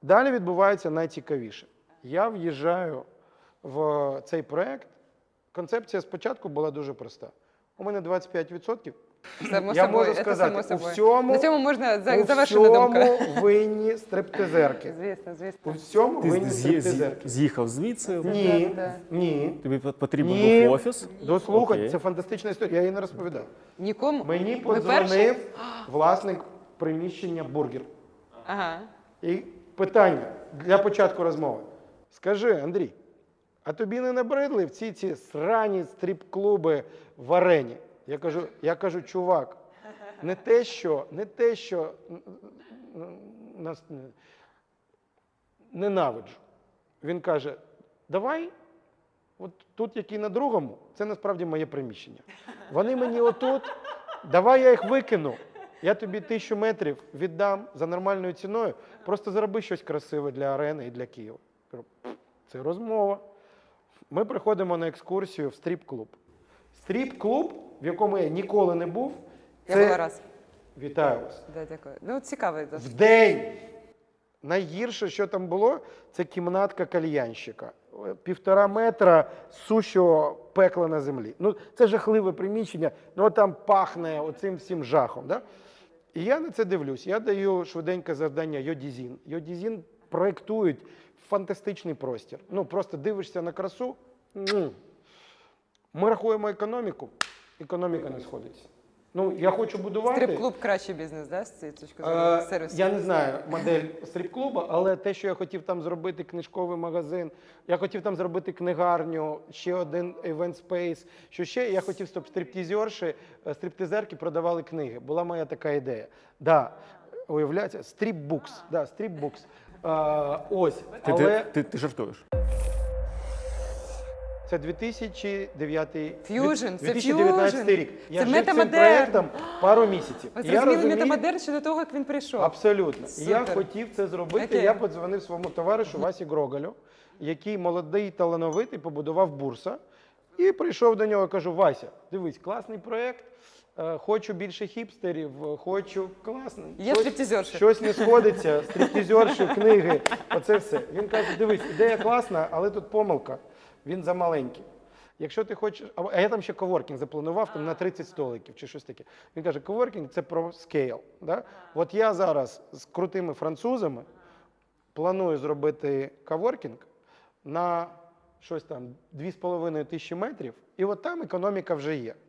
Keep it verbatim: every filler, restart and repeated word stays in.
Далі відбувається найцікавіше. Я в'їжджаю в цей проєкт. Концепція спочатку була дуже проста. У мене двадцять п'ять відсотків. Само Я собою, можу це сказати, само у собою. всьому, На цьому можна за- у завершити думку. всьому винні стриптизерки. Звісно, У звісно. всьому Ти винні з'ї- стриптизерки. з'їхав звідси, Ні, Да, ні. тобі потрібен Ні. був офіс. Дослухай, Окей. це фантастична історія, я її не розповідав. Нікому? Мені Ви перші? подзвонив власник приміщення «Бургер». Ага. І питання для початку розмови. Скажи, Андрій, а тобі не набридли в ці ці срані стріп-клуби в арені? Я кажу, я кажу, чувак, не те, що, не те, що нас ненавиджу. Він каже, давай, от тут, який на другому, це насправді моє приміщення. Вони мені отут, давай я їх викину. Я тобі тисячу метрів віддам за нормальною ціною, просто зроби щось красиве для арени і для Києва. Кажу, це розмова. Ми приходимо на екскурсію в стріп-клуб. Стріп-клуб, в якому я ніколи не був, Я це... була раз. Вітаю вас. Да, дякую. Ну, цікавий В досить. день! Найгірше, що там було, це кімнатка кальянщика. Півтора метра сущого пекла на землі. Ну, це жахливе приміщення, ну там пахне оцим всім жахом. Да? І я на це дивлюсь. Я даю швиденьке завдання Йодізін. Йодізін проєктують фантастичний простір. Ну, просто дивишся на красу. м. Ми рахуємо економіку, економіка не сходиться. Ну, я хочу будувати... Стрип-клуб кращий бізнес, да, з цієї точки зору? Е, Сервісу. Я не знаю модель стріп-клуба, але те, що я хотів там зробити книжковий магазин, я хотів там зробити книгарню, ще один event space, що ще я хотів, щоб стриптизерші, е, стриптизерки продавали книги. Була моя така ідея. Да, уявляється, стріп-букс, да, стріп-букс. Е, ось, Ти, але ти, ти, ти жартуєш. це дві тисячі дев'ятий Fusion, це дві тисячі дев'ятнадцятий Fusion. рік. Я Це жив цим метамодерн. проєктом пару місяців. Ви І я зрозуміли розумію- метамодерн ще до того, як він прийшов? Абсолютно. І я Супер. хотів це зробити. Окей. Я подзвонив своєму товаришу Васі Грогалю, який молодий, талановитий, побудував бурса. І прийшов до нього і кажу, Вася, дивись, класний проєкт, е, хочу більше хіпстерів, е, хочу, класно. Є Щось- стриптизерші. Щось не сходиться, стриптизерші, книги, оце все. Він каже, дивись, ідея класна, але тут помилка, він замаленький. Якщо ти хочеш, а а я там ще коворкінг запланував там, на тридцять столиків чи щось таке. Він каже, коворкінг – це про скейл. Да? От я зараз з крутими французами планую зробити коворкінг на щось там дві з половиною тисячі метрів, і от там економіка вже є.